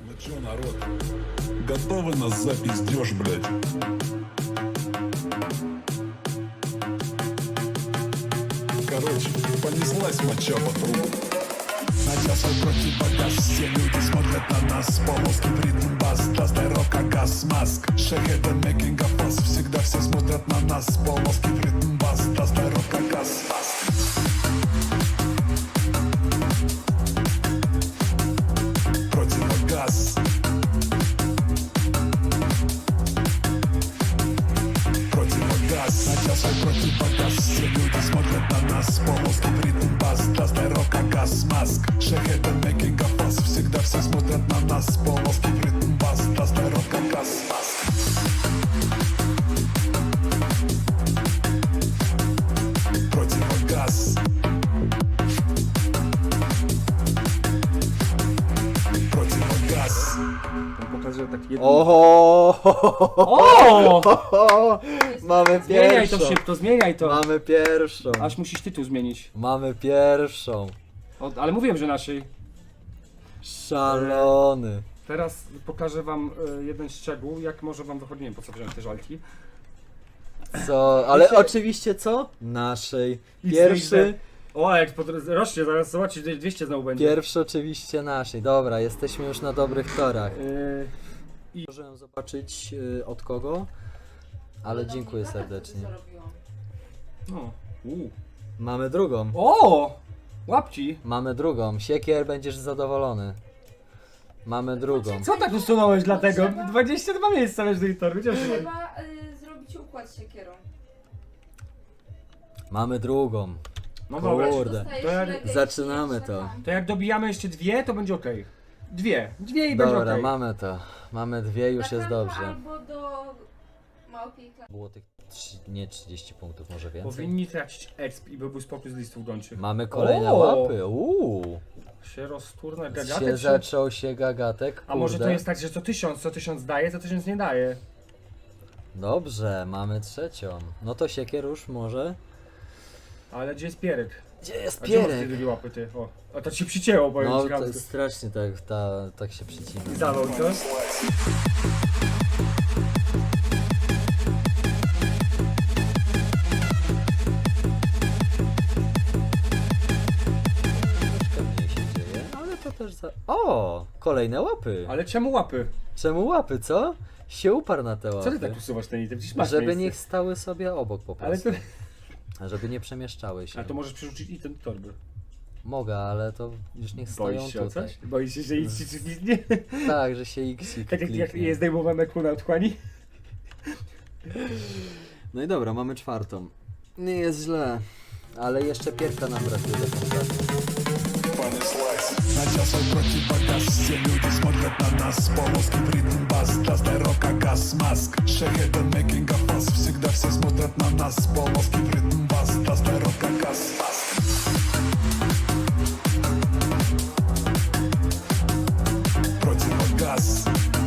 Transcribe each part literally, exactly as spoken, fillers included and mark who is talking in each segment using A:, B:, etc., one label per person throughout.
A: Ну чё, народ, готовы на запиздёж, блядь? Короче, понеслась моча по трубу. Надел свой противогаз, все люди смотрят на нас. Полоски в ритм бас, даст рока газ, маск. Шахеда making a fuss, всегда все смотрят на нас. Полоски в ритм бас, даст рока газ, маск. Противогаз. Противогаз. Надел свой противогаз, все люди смотрят на нас. Полоски в ритм бас, даст рока газ, маск. Шахеда making a fuss, всегда все смотрят на нас. Полоски в ритм бас, даст рока газ, маск. Противогаз. Противогаз.
B: Pokażę tak jedną...
C: Oho!
B: O!
C: Mamy
B: Zmieniaj
C: pierwszą.
B: to szybko, zmieniaj to.
C: Mamy pierwszą.
B: Aż musisz tytuł zmienić.
C: Mamy pierwszą.
B: O, ale mówiłem, że naszej.
C: Szalony.
B: Teraz pokażę wam y, jeden szczegół, jak może wam wychodzi. Nie wiem po co wziąłem te żalki.
C: Co? Ale
B: Jeszcze-
C: oczywiście co? Naszej. Pierwszy.
B: O, jak pod... rośnie, zaraz zobaczysz, dwieście znowu będzie.
C: Pierwszy oczywiście naszej. Dobra, jesteśmy już na dobrych torach.
B: Y,
C: Możemy zobaczyć y, od kogo, ale dziękuję serdecznie.
B: no. U.
C: Mamy drugą.
B: O! Łapci!
C: Mamy drugą. Siekier, będziesz zadowolony. Mamy drugą.
B: Co tak usunąłeś dlatego? dwadzieścia dwa miejsca wiesz do tej torby.
D: Trzeba y, zrobić układ z siekierą.
C: Mamy drugą.
B: No dobra.
C: Kurde.
D: Dostajesz
B: To jak
D: reggae i
C: zaczynamy
D: jeszcze
C: to.
D: tam.
B: To jak dobijamy jeszcze dwie, to będzie ok. Dwie. Dwie i będzie
C: Dobra,
B: ok.
C: mamy to. Mamy dwie, już
D: Na
C: jest
D: kanwa
C: dobrze.
D: Albo do małpiej klasy.
C: Było tych trzy, nie trzydzieści punktów, może więcej.
B: Powinni tracić exp i byłby spokój z listów gończych.
C: Mamy kolejne
B: O!
C: łapy. Uuu.
B: Się rozturna
C: Się
B: gagatek. Się...
C: zaczął się gagatek.
B: A może to
C: kurde.
B: jest tak, że co tysiąc, co tysiąc daje, co tysiąc nie daje.
C: Dobrze, mamy trzecią. No to siekier już może.
B: Ale gdzie jest pierek?
C: Gdzie jest
B: A gdzie masz te
C: pierek?
B: drugie łapy ty? O, a to ci przycięło, powiem
C: No
B: ci
C: to
B: chamsko.
C: strasznie tak, ta, tak się przycina.
B: I zawał, co?
C: Troszkę mniej się dzieje, ale to też za... O! Kolejne łapy!
B: Ale czemu łapy?
C: Czemu łapy, co? Się uparł na te
B: Co
C: łapy.
B: ty tak usuwasz ten item? Przecież masz
C: Żeby
B: miejsce.
C: niech stały sobie obok po
B: Ale
C: prostu.
B: to...
C: Żeby nie przemieszczały się.
B: A to możesz przerzucić item do torby.
C: Mogę, ale to już niech stoją
B: Boisz się o
C: tutaj.
B: coś? Boisz się, że nic ci nie...
C: Tak, że się x
B: Tak jak, jak jest zdejmowane ku na otchłani?
C: No i dobra, mamy czwartą. Nie jest źle, ale jeszcze pierwsza nam brakuje do końca.
A: Понеслась. Надел свой противогаз, все люди смотрят на нас. Полоски в ритм бас, даст рока газ, маск. Шахеда making a fuss, всегда все смотрят на нас. Полоски в ритм бас, даст рока газ, маск. Противогаз.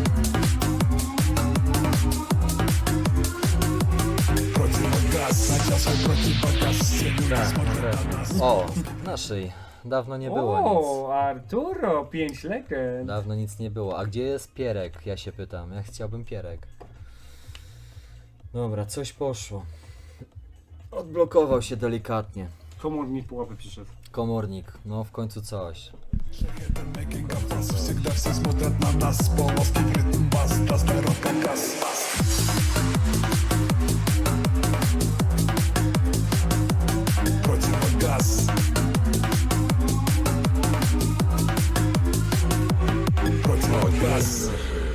A: Противогаз. Надел свой противогаз, все люди
C: Tak,
A: смотрят на нас.
C: O, naszej. Dawno nie było nic.
B: O, Arturo, pięć legend.
C: Dawno nic nie było. A gdzie jest pierek? Ja się pytam. Ja chciałbym pierek. Dobra, coś poszło. Odblokował się delikatnie.
B: Komornik po łapy przyszedł.
C: Komornik, no w końcu coś.
A: Making a fuss, всегда все смотрят на нас. Полоски в ритм бас, даст рока газ, маск. Противогаз. Противогаз.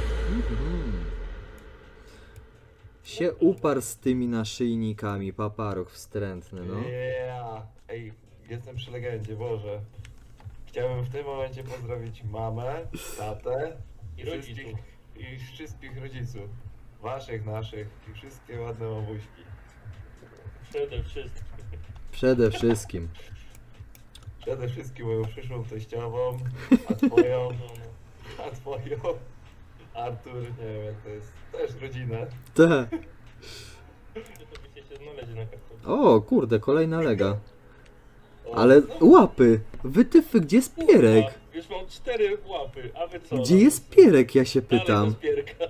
C: Się uparł z tymi naszyjnikami, paparuch wstrętny, no.
E: Yeah. Ej, jestem przy legendzie, Boże. Chciałbym w tym momencie pozdrowić mamę, tatę i wszystkich, i wszystkich rodziców. Waszych, naszych i wszystkie ładne mamuśki.
F: Przede wszystkim.
C: Przede wszystkim.
E: Przede wszystkim moją przyszłą teściową, a twoją, a twoją, Artur, nie wiem jak to jest, też rodzinę.
C: Te.
F: To byście się znaleźli na kartę.
C: O, kurde, kolejna lega.
E: O, O,
C: Ale
E: znowu
C: łapy! Wytyfy, gdzie jest Pierek?
F: Kurwa, już mam cztery łapy, a wy co?
C: Gdzie jest Pierek, ja się
F: Dalej
C: pytam.
F: bez Pierka.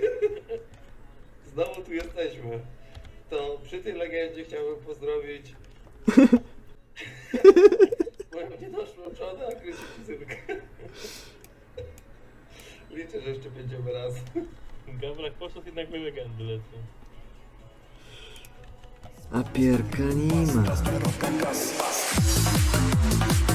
E: Znowu tu jesteśmy. To przy tej legendzie chciałbym pozdrowić moją niedoszłą żonę, a Krysiu kuzynkę. Liczę, że jeszcze będziemy razem.
F: Gawrak poszedł, jednak my legendy lecą.
C: A Pierka nie ma.
A: Gaz, roka, gaz, mask.